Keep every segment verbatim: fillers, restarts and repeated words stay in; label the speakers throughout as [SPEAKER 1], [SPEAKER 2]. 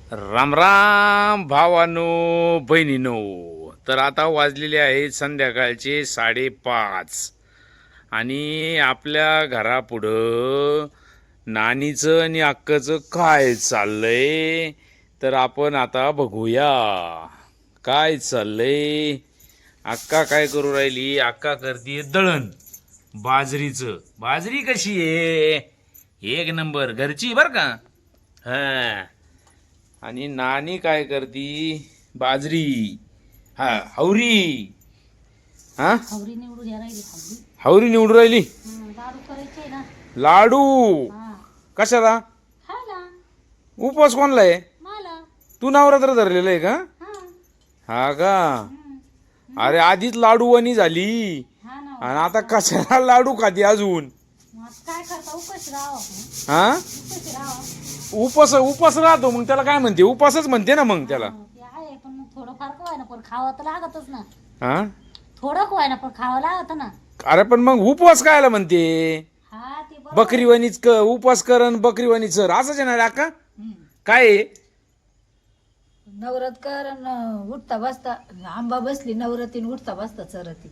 [SPEAKER 1] राम राम भावानो बहिणीनो. तर आता वाजलेले आहेत संध्याकाळचे साडेपाच आणि आपल्या घरापुढं नानीचं आणि अक्काचं काय चाललंय तर आपण आता बघूया काय चाललंय. अक्का काय करू राहिली? अक्का करते दळण बाजरीचं. बाजरी कशी आहे? एक नंबर घरची बर का. हा. आणि नानी काय करती? बाजरी. हा हवरी. हा
[SPEAKER 2] हवरी निवडून या राहिली हवरी.
[SPEAKER 1] हवरी निवडून राहिली.
[SPEAKER 2] हं, लाडू करायचे ना.
[SPEAKER 1] लाडू
[SPEAKER 2] हा
[SPEAKER 1] कशाला?
[SPEAKER 2] खायला
[SPEAKER 1] उपवास कोणला आहे?
[SPEAKER 2] मला.
[SPEAKER 1] तू नवरात्र धरलेलं आहे का?
[SPEAKER 2] हा
[SPEAKER 1] हा का?
[SPEAKER 2] हं.
[SPEAKER 1] अरे आधीच लाडू वणी झाली
[SPEAKER 2] हा ना.
[SPEAKER 1] आणि आता कशाला लाडू खाती अजून?
[SPEAKER 2] मग काय करता उपाशी राहावं आपण.
[SPEAKER 1] हा
[SPEAKER 2] उपाशी राहावं.
[SPEAKER 1] उपास उपास राहतो मग त्याला काय म्हणते? उपासच म्हणते ना मग त्याला.
[SPEAKER 2] हा, ते आहे पण मग थोडं फार व्हाय ना पण खावं तर लागतच ना.
[SPEAKER 1] हा
[SPEAKER 2] थोडं व्हाय ना पण खावं लागत ना.
[SPEAKER 1] अरे पण मग उपवास कायला म्हणते?
[SPEAKER 2] हा ते बरोबर.
[SPEAKER 1] बकरीवाणीच क उपवास करण बकरीवाणी सर असंच येणार आहे का?
[SPEAKER 2] हं.
[SPEAKER 1] काय आहे?
[SPEAKER 3] नवरात कर अन उठता बसता आंबा बसली नवरातीन उठता बसता चरती.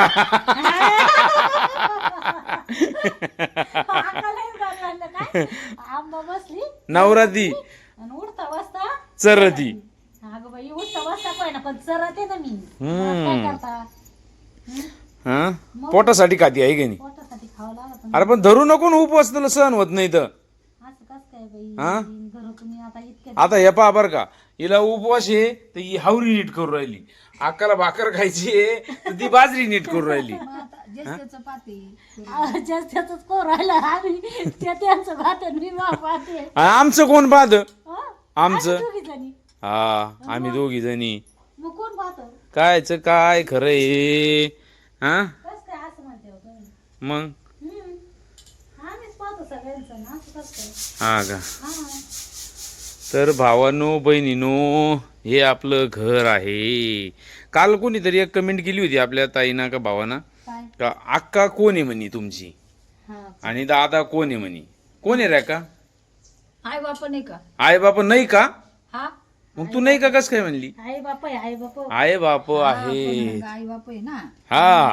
[SPEAKER 2] आकालाही गाणं आणलं काय? आंबा बसली
[SPEAKER 1] नवराती
[SPEAKER 2] आणि उठता बसता
[SPEAKER 1] चरती.
[SPEAKER 2] अगं बाई उठता बसता काय ना पण चरते ना मी.
[SPEAKER 1] हम्म.
[SPEAKER 2] मग काय करता? हं?
[SPEAKER 1] हा पोटासाठी खाती आहे की नाही?
[SPEAKER 2] पोटासाठी खावं लागत ना.
[SPEAKER 1] अरे पण धरू नको ना उपवास, तुला सहन होत नाही तर.
[SPEAKER 2] असं कस काय बाई?
[SPEAKER 1] हा?
[SPEAKER 2] घरं तुम्ही आता इतके
[SPEAKER 1] आता हे पहा बरं का, हिला उपवास आहे तर ही हावरी नीट करू राहिली. अक्काला भाकर खायची आहे तर ती बाजरी नीट करू राहिली.
[SPEAKER 3] मग आता ज्येष्ठ चपाती
[SPEAKER 2] जास्त त्याच कोण राहिलं आम्ही त्या त्यांचं भात आणि मी मा पाहते.
[SPEAKER 1] आणि आमचं कोण बाद?
[SPEAKER 2] हं?
[SPEAKER 1] आमचं?
[SPEAKER 2] आम्ही दोघी जणी.
[SPEAKER 1] हा आम्ही दोघी जणी.
[SPEAKER 2] मग कोण पाहतो?
[SPEAKER 1] कायच काय खरं आहे? हा
[SPEAKER 2] कस काय असं म्हणते हो तुम्ही?
[SPEAKER 1] मग
[SPEAKER 2] हम्म. आम्हीच पाहतो सगळ्यांचं ना असं कसं काय?
[SPEAKER 1] हा का?
[SPEAKER 2] हा.
[SPEAKER 1] तर भावानो बहिणीनो, हे आपलं घर आहे. काल कोणीतरी एक कमेंट केली होती आपल्या ताईना का भावाना
[SPEAKER 2] काय?
[SPEAKER 1] का अक्का कोण आहे म्हणी तुमची
[SPEAKER 2] हा.
[SPEAKER 1] आणि दादा कोण आहे म्हणी. कोण आहे रे का?
[SPEAKER 3] आई बाप नाही का?
[SPEAKER 1] आई बाप नाही का?
[SPEAKER 3] हा
[SPEAKER 1] मग तू नाही का कस काय म्हणली?
[SPEAKER 2] आई बाप आहे आई बाप.
[SPEAKER 1] आई बाप
[SPEAKER 3] हा,
[SPEAKER 1] आहे.
[SPEAKER 3] पण आई बाप आहे ना.
[SPEAKER 1] हा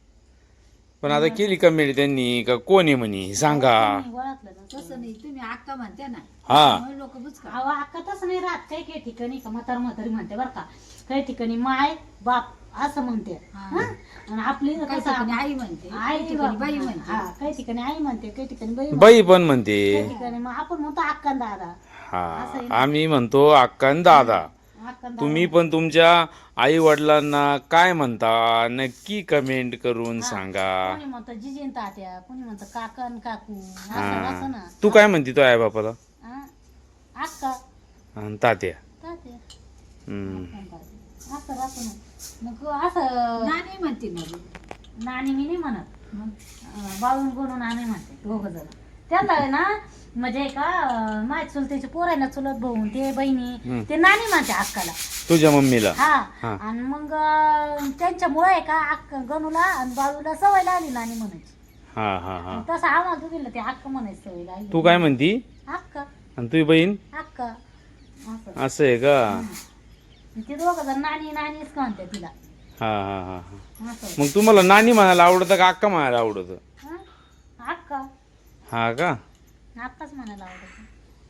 [SPEAKER 1] पण आता केली कमेंट त्यांनी का कोण आहे म्हणी सांगा.
[SPEAKER 2] मी ओळखलं ना.
[SPEAKER 3] तसं नाही तुम्ही अक्का म्हणते ना.
[SPEAKER 1] हा
[SPEAKER 3] लोक बुचका
[SPEAKER 2] अहो अक्का तसं नाही राहत. काही काही ठिकाणी का म्हातार म्हातारी म्हणते बरं का. काही ठिकाणी माय बाप असं म्हणते.
[SPEAKER 3] हा.
[SPEAKER 2] हं? आणि आपली
[SPEAKER 3] काही
[SPEAKER 2] कसं
[SPEAKER 3] ठिकाणी आई म्हणते
[SPEAKER 2] आई
[SPEAKER 3] काही ठिकाणी बाई
[SPEAKER 2] बाप.
[SPEAKER 3] म्हणते.
[SPEAKER 2] हा काही ठिकाणी आई म्हणते काही ठिकाणी बाई म्हणते.
[SPEAKER 1] बाई पण म्हणते.
[SPEAKER 2] काही ठिकाणी मग आपण म्हणतो अक्का आणि दादा.
[SPEAKER 1] हा आम्ही म्हणतो अक्का आणि दादा.
[SPEAKER 2] अक्का आणि
[SPEAKER 1] तुम्ही पण तुमच्या आई वडिलांना काय म्हणता नक्की कमेंट करून सांगा.
[SPEAKER 2] कोणी म्हणतं जिजीन तात्या कोणी म्हणतं काका आणि काकू असं
[SPEAKER 1] हा
[SPEAKER 2] असं ना.
[SPEAKER 1] तू काय म्हणते तो आई बापाला?
[SPEAKER 2] हं? अक्का
[SPEAKER 1] आणि तात्या.
[SPEAKER 2] तात्या
[SPEAKER 1] हम्म.
[SPEAKER 2] असं राहतं ना. मग असं
[SPEAKER 3] नानी म्हणते ना बी.
[SPEAKER 2] नानी मी नाही म्हणत.
[SPEAKER 3] मग
[SPEAKER 2] अं, बाळून गोणून नानी म्हणते दोघ जण. त्यांना आहे ना म्हणजे का अं, माझ्या चुलतेचे पोर आहे ना चुलत भाऊ ते बहिणी ते नानी म्हणते अक्काला.
[SPEAKER 1] तुझ्या मम्मीला?
[SPEAKER 2] हा
[SPEAKER 1] हा.
[SPEAKER 2] आणि मग अं, त्यांच्यामुळे आहे का अक्क गणूला आणि बाळूला सवय लागली नानी म्हणायची.
[SPEAKER 1] हा हा हा
[SPEAKER 2] तसं आम्हाला दोघीला ते अक्क म्हणायची सवय लागली.
[SPEAKER 1] तू काय म्हणती?
[SPEAKER 2] अक्क
[SPEAKER 1] आणि तुझी बहीण?
[SPEAKER 2] अक्क असं.
[SPEAKER 1] असं आहे का?
[SPEAKER 2] ते दोघं जण नानी नानीच का म्हणते तिला
[SPEAKER 1] हा हा हा हा
[SPEAKER 2] असं.
[SPEAKER 1] मग तुम्हाला नानी म्हणायला आवडतं का अक्का म्हणायला आवडतं?
[SPEAKER 2] हं? अक्का
[SPEAKER 1] हा का?
[SPEAKER 2] आत्ताच म्हणायला आवडत.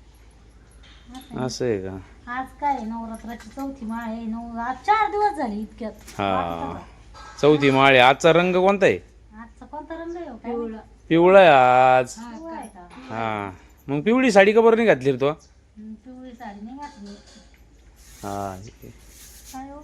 [SPEAKER 2] असं.
[SPEAKER 1] असं आहे का?
[SPEAKER 2] आज काय आहे, नवरात्राची चौथी माळ आहे. नऊ आज चार दिवस झाले इतक्यात.
[SPEAKER 1] हा चौथी माळे. आजचा रंग कोणता आहे?
[SPEAKER 2] आजचा कोणता रंग आहे हो? काय
[SPEAKER 3] पिवळं.
[SPEAKER 1] पिवळा आहे आज.
[SPEAKER 2] पिवळा आहे का?
[SPEAKER 1] हा मग पिवळी साडी का बरं नाही घातली रे तो?
[SPEAKER 2] हं, पिवळी साडी नाही घातली.
[SPEAKER 1] हा
[SPEAKER 2] काय हो?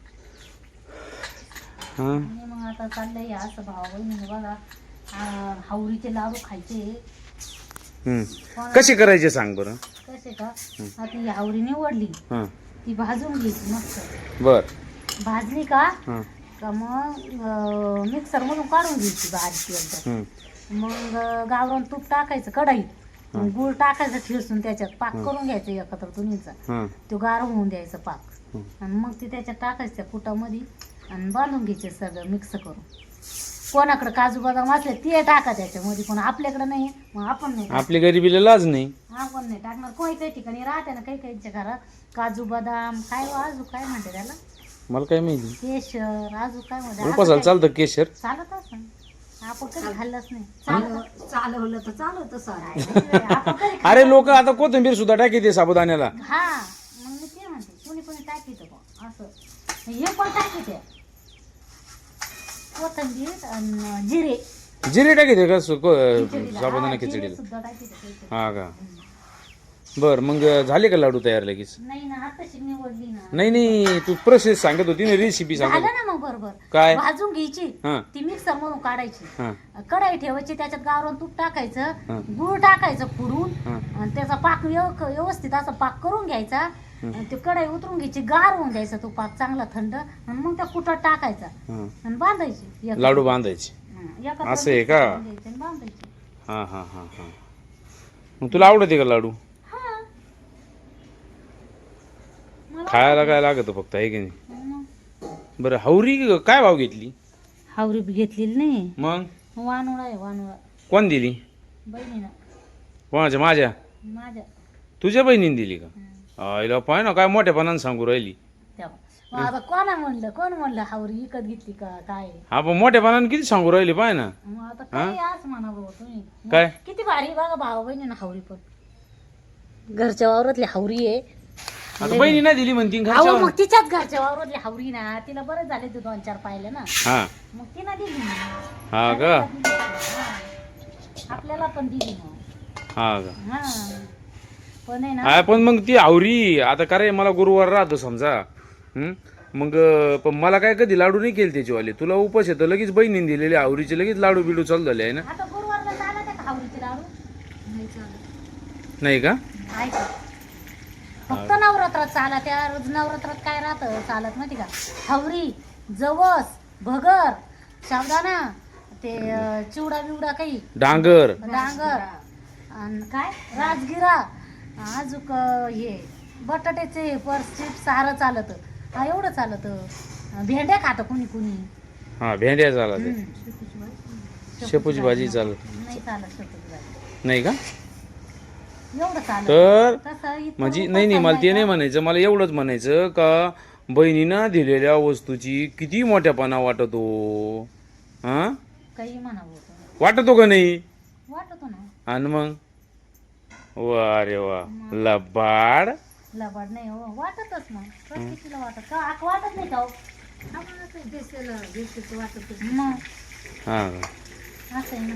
[SPEAKER 1] हा
[SPEAKER 2] आणि मग आता चाललंय असं भावा बहिणीने बघा आ, हावरीचे लाडू खायचे.
[SPEAKER 1] हम्म. कसे करायचे सांग बरं.
[SPEAKER 2] कसे का आता ही हावरी निवडली
[SPEAKER 1] हा
[SPEAKER 2] ती भाजून घ्यायची मस्त.
[SPEAKER 1] बर.
[SPEAKER 2] भाजली का
[SPEAKER 1] हा
[SPEAKER 2] का मग मिक्सर मधून काढून घ्यायची बारीक एकदम.
[SPEAKER 1] हम्म.
[SPEAKER 2] मग अं, गावरान तूप टाकायचं कढईत. मग गूळ टाकायचं ठेसून त्याच्यात पाक करून घ्यायचं एकत्र दोन्हीचा.
[SPEAKER 1] हा
[SPEAKER 2] तो गार होऊन द्यायचा पाक.
[SPEAKER 1] हं.
[SPEAKER 2] आणि मग ती त्याच्यात टाकायचं त्या कुटामध्ये आणि बांधून घ्यायचे सगळं मिक्स करून. कोणाकडे काजू बदाम असले ते टाका त्याच्यामध्ये, पण आपल्याकडे नाही, मग आपण नाही टाकणार.
[SPEAKER 1] आपली गरिबीला लाज नाही.
[SPEAKER 2] आपण नाही टाकणार. काही काही ठिकाणी राहते ना, काही काहीच्या घरात काजू बदाम काय अजून काय म्हणते त्याला,
[SPEAKER 1] मला काय माहिती.
[SPEAKER 2] केशर अजून काय म्हणते,
[SPEAKER 1] उपासाला चालतं केशर.
[SPEAKER 2] चालत असं आपण कधी खाल्लंच नाही.
[SPEAKER 3] चालव- चालवलं तर चालवतं सारं.
[SPEAKER 2] चालत आपण कधी
[SPEAKER 1] अरे लोक आता कोथिंबीर सुद्धा टाकी ते साबुदाण्याला.
[SPEAKER 2] हा मग मी ते म्हणते, कोणी कोणी टाकीत बा असं, हे पण टाकीत आहे कोथिंबीर आणि जिरे,
[SPEAKER 1] जिरे टाकी ते का सु- को-
[SPEAKER 2] खिचडीला.
[SPEAKER 1] साबुदाणा
[SPEAKER 2] हा, जिरे
[SPEAKER 1] खिचडीला.
[SPEAKER 2] सुद्धा टाकीत आहे.
[SPEAKER 1] हा का. बर मग झाले का लाडू तयार लगेच?
[SPEAKER 2] नाही ना, आताशी निवडली ना.
[SPEAKER 1] नाही नाही तू प्रोसेस सांगत होती ना, रेसिपी सांगत
[SPEAKER 2] झालं
[SPEAKER 1] होती.
[SPEAKER 2] ना मग बरोबर.
[SPEAKER 1] काय?
[SPEAKER 2] भाजून घ्यायची,
[SPEAKER 1] हा
[SPEAKER 2] ती मिक्सर मधून काढायची,
[SPEAKER 1] हा
[SPEAKER 2] कढाई ठेवायची, त्याच्यात गावरान तूप टाकायचं,
[SPEAKER 1] हा.
[SPEAKER 2] गुळ टाकायचं फोडून,
[SPEAKER 1] हा.
[SPEAKER 2] आणि त्याचा पाक व्यव- व्यवस्थित असा पाक करून घ्यायचा, आणि ते कढाई उतरून घ्यायची, गार होऊन द्यायचा तो पाक चांगला थंड, आणि मग त्या कुटात टाकायचा
[SPEAKER 1] हा.
[SPEAKER 2] आणि बांधायची एक-
[SPEAKER 1] लाडू बांधायचे.
[SPEAKER 2] हा, एकत्र
[SPEAKER 1] असं आहे का?
[SPEAKER 2] mix करून घ्यायची आणि बांधायची.
[SPEAKER 1] हा हा हा हा मग तुला आवडते का लाडू?
[SPEAKER 2] हा. मला
[SPEAKER 1] खायला काय लागत फक्त आहे की नाही?
[SPEAKER 2] मग
[SPEAKER 1] बरं हावरी काय भाव घेतली
[SPEAKER 2] हावरी बी घेतलेली नाही,
[SPEAKER 1] मग?
[SPEAKER 2] वानुळा आहे वानुळा,
[SPEAKER 1] कोण दिली?
[SPEAKER 2] बहिणीनं
[SPEAKER 1] कोणाच्या? माझ्या?
[SPEAKER 2] माझ्या.
[SPEAKER 1] तुझ्या बहिणीने दिली का?
[SPEAKER 2] हम्म.
[SPEAKER 1] आईला पाय ना काय मोठ्यापणाने सांगू राहिली.
[SPEAKER 2] तेव्हा मग आता कोणा म्हणलं, कोण म्हणलं हावरी विकत घेतली का काय,
[SPEAKER 1] हा पण मोठ्यापणाने किती सांगू राहिली पाय ना.
[SPEAKER 2] मग आता काय आज म्हणा भाऊ तुम्ही. मग
[SPEAKER 1] काय?
[SPEAKER 2] किती भारी बघा भाऊ बहिणी ना हावरी, पण घरच्या वावरातली हावरी आहे.
[SPEAKER 1] आता बहिणी नाही दिली म्हणती
[SPEAKER 2] अहो
[SPEAKER 1] घरच्या.
[SPEAKER 2] मग तिच्याच घरच्या वावरातली हावरी ना, तिला बरं झाले ते दोन चार पाहिले ना,
[SPEAKER 1] हा
[SPEAKER 2] मग तिनं दिली ना.
[SPEAKER 1] हा का.
[SPEAKER 2] हा. आपल्याला पण दिली मग.
[SPEAKER 1] हा का.
[SPEAKER 2] हा पण आहे ना,
[SPEAKER 1] हा पण मग ती आवरी आता का रे, मला गुरुवार राहतो समजा. हम्म? मग अं, पण मला काय कधी लाडू नाही केले त्याचीवाले. तुला उपास येतं लगेच बहिणीने दिलेले आवरीचे लगेच लाडू बिडू चालू झाले आहे ना.
[SPEAKER 2] आता गुरुवारला चालत आहे का हावरीचे लाडू?
[SPEAKER 3] नाही चालत.
[SPEAKER 1] नाही का?
[SPEAKER 2] आहे का? फक्त नवरात्रात चालत. त्या रोज नवरात्रात काय राहतं चालत माहिती का, हावरी, जवस, भगर, साबुदाणा, ते अं, चिवडा बिवडा काही,
[SPEAKER 1] डांगर.
[SPEAKER 2] डांगर, आणि काय राजगिरा, अजूक हे बटाट्याचे पर्स चिप्स सारं चालत. हा एवढं चालत. भेंड्या खातं कुणी कुणी.
[SPEAKER 1] हा भेंड्या चालत.
[SPEAKER 2] हम्म.
[SPEAKER 1] शेपूची भाजी चालत
[SPEAKER 2] नाही चालत शेपूची भाजी.
[SPEAKER 1] नाही का?
[SPEAKER 2] एवढं चालत.
[SPEAKER 1] तर
[SPEAKER 2] तसं इतकं
[SPEAKER 1] म्हणजे
[SPEAKER 2] उपास
[SPEAKER 1] नाही नाही मला ते
[SPEAKER 2] चालायचा.
[SPEAKER 1] नाही म्हणायचं. मला एवढंच म्हणायचं का बहिणीनं दिलेल्या वस्तूची किती मोठ्यापणा वाटतो. हा
[SPEAKER 2] काही म्हणावं होतं.
[SPEAKER 1] वाटतो का नाही?
[SPEAKER 2] वाटतो ना.
[SPEAKER 1] आणि मग वा रे वा लबाड.
[SPEAKER 2] लबाड नाही हो, वाटतच मग प्रत्येकीला वाटत का, आक वाटत नाही का हो?
[SPEAKER 3] आम्हाला काही दिसेल दिसेल वाटतच नाही.
[SPEAKER 2] मग
[SPEAKER 1] हा
[SPEAKER 2] असं आहे ना.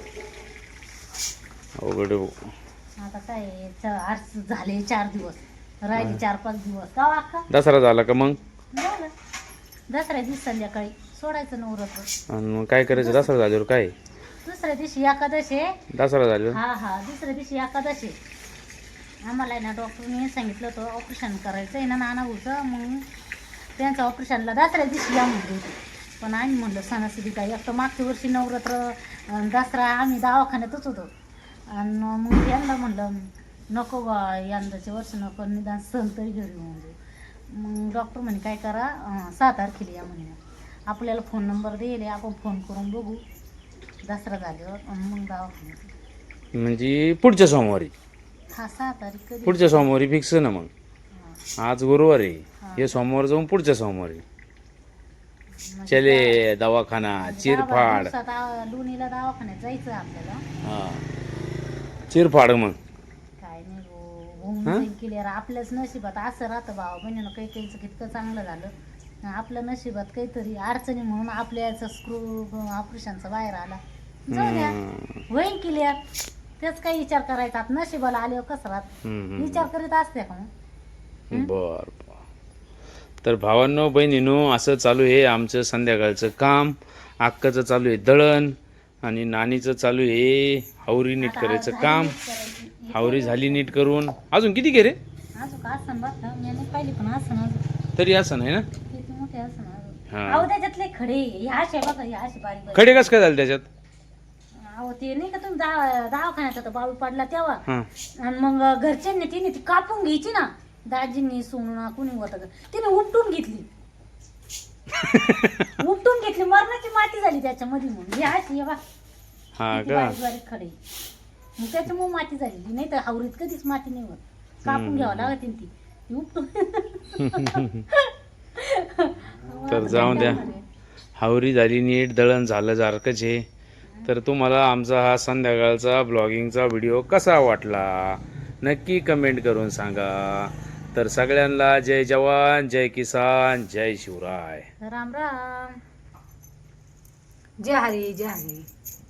[SPEAKER 1] अवघड आहे भाऊ.
[SPEAKER 2] आता काय च- आज झाले चार दिवस, राहिले चार पाच दिवस का अक्का
[SPEAKER 1] दसरा झाला का मग?
[SPEAKER 2] झालं. दसऱ्या दिवशी संध्याकाळी सोडायचं नवरात्र.
[SPEAKER 1] आणि मग काय करायचं दसरा झाल्यावर? काय
[SPEAKER 2] दुसऱ्या दिवशी एकादशी आहे.
[SPEAKER 1] दसरा झाल्यावर?
[SPEAKER 2] हा हा दुसऱ्या दिवशी एकादशी. आम्हाला आहे ना डॉक्टरने सांगितलं होतं ऑपरेशन करायचं आहे ना नानाभाऊचं, मग त्यांचं ऑपरेशनला दसऱ्या दिवशी या म्हणले होते. पण आम्ही म्हणलं सणासुदी काय, एक तर मागच्या वर्षी नवरात्र अन् दसरा आम्ही दवाखान्यातच होतो, आणि मग यांना म्हणलं नको बा यंदाच्या वर्ष नको, निदान सण तरी घरी होऊन जाऊ. मग डॉक्टर म्हणे काय करा, अं, सहा तारखेला या म्हणे. आपल्याला फोन नंबर देईल, आपण फोन करून बघू दसरा झाल्यावर, अन् मग दवाखान्यात.
[SPEAKER 1] म्हणजे पुढच्या सोमवारी?
[SPEAKER 2] हा सहा तारीख कधी?
[SPEAKER 1] पुढच्या सोमवारी फिक्स ना मग.
[SPEAKER 2] हा.
[SPEAKER 1] आज गुरुवार आहे,
[SPEAKER 2] हा.
[SPEAKER 1] हे सोमवार जाऊन पुढच्या सोमवारी.
[SPEAKER 2] म्हणजे
[SPEAKER 1] चले दवाखाना
[SPEAKER 2] दहा बारा
[SPEAKER 1] चिरफाड.
[SPEAKER 2] दिवसात आ- लोणीला दवाखान्यात जायचं आपल्याला.
[SPEAKER 1] हा चिरफाड मग.
[SPEAKER 2] काय नाही हो, होऊन
[SPEAKER 1] हा?
[SPEAKER 2] जाईल क्लिअर. आपल्याच नशिबात असं राहतं भावा बहिणीनं, काही काहीचं कितकं चांगलं झालं. आपल्या नशिबात काहीतरी अडचणी म्हणून आपल्या याचा स्क्रू ऑपरेशनचा बाहेर आला. जाऊ द्या,
[SPEAKER 1] हम्म.
[SPEAKER 2] होईल क्लिअर. तेच काही विचार करायचा, आता नशिबाला आल्यावर कसं राहत
[SPEAKER 1] हम्म.
[SPEAKER 2] विचार करीत असते का मग?
[SPEAKER 1] बर बर. तर भावांनो बहिणीनो असं चालू आहे आमचं संध्याकाळचं काम. अक्काचं चालू आहे दळण, आणि नानीचं चालू आहे हावरी नीट
[SPEAKER 2] आता
[SPEAKER 1] करायचं
[SPEAKER 2] झाली
[SPEAKER 1] काम.
[SPEAKER 2] नीट करायची.
[SPEAKER 1] हावरी झाली नीट करून. अजून किती घे रे?
[SPEAKER 2] अजून का असं बघ ना, मी नाही पाहिली पण असं अजून
[SPEAKER 1] तरी असं नाही ना.
[SPEAKER 2] किती मोठे असं अजून.
[SPEAKER 1] हा.
[SPEAKER 2] अहो त्याच्यातले खडे ह्या असे बघा, ह्या असे बारीक बारीक.
[SPEAKER 1] खडे कसं काय झालं त्याच्यात?
[SPEAKER 2] अहो ते नाही का तुम्ही दहा दवाखान्यात होता बाळू पडला तेव्हा,
[SPEAKER 1] हा
[SPEAKER 2] आणि मग घरच्यांनी तिने ती कापून घ्यायची ना, दाजींनी सोनूना कुणी होतं का, तिने उपटून घेतली. उपटून घेतली मरणाची माती झाली त्याच्यामध्ये मग हे अशी हे बा
[SPEAKER 1] हा
[SPEAKER 2] किती
[SPEAKER 1] का
[SPEAKER 2] बारीक बारीक खडे मग त्याच्यामुळे माती झालेली नाही तर हावरीत कधीच माती नाही होत कापून घ्यावं लागत ती ती उपटून
[SPEAKER 1] तर जाऊन द्या हावरी झाली नीट दळण झालं सारखंच आहे. तर तुम्हाला आमचा हा संध्याकाळचा ब्लॉगिंगचा व्हिडिओ कसा वाटला नक्की कमेंट करून सांगा. तर सगळ्यांना जय जवान जय किसान जय शिवराय.
[SPEAKER 2] राम राम.
[SPEAKER 3] जय हरी जय हरी.